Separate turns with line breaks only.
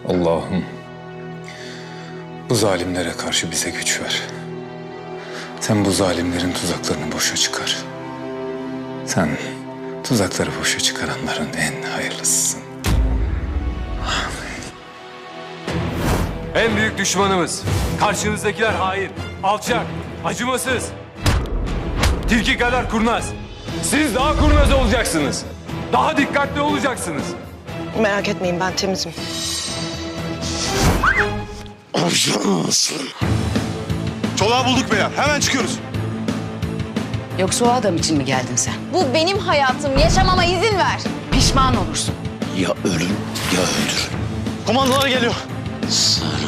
Allah'ım bu zalimlere karşı bize güç ver. Sen bu zalimlerin tuzaklarını boşa çıkar. Sen tuzakları boşa çıkaranların en hayırlısısın.
En büyük düşmanımız. Karşınızdakiler hain, alçak, acımasız. Tilki kadar kurnaz. Siz daha kurnaz olacaksınız. Daha dikkatli olacaksınız.
Merak etmeyin, ben temizim.
Çolağı bulduk beyler. Hemen çıkıyoruz.
Yoksa o adam için mi geldin sen?
Bu benim hayatım. Yaşamama izin ver.
Pişman olursun.
Ya ölün ya öldürün.
Komandolar geliyor.
Sen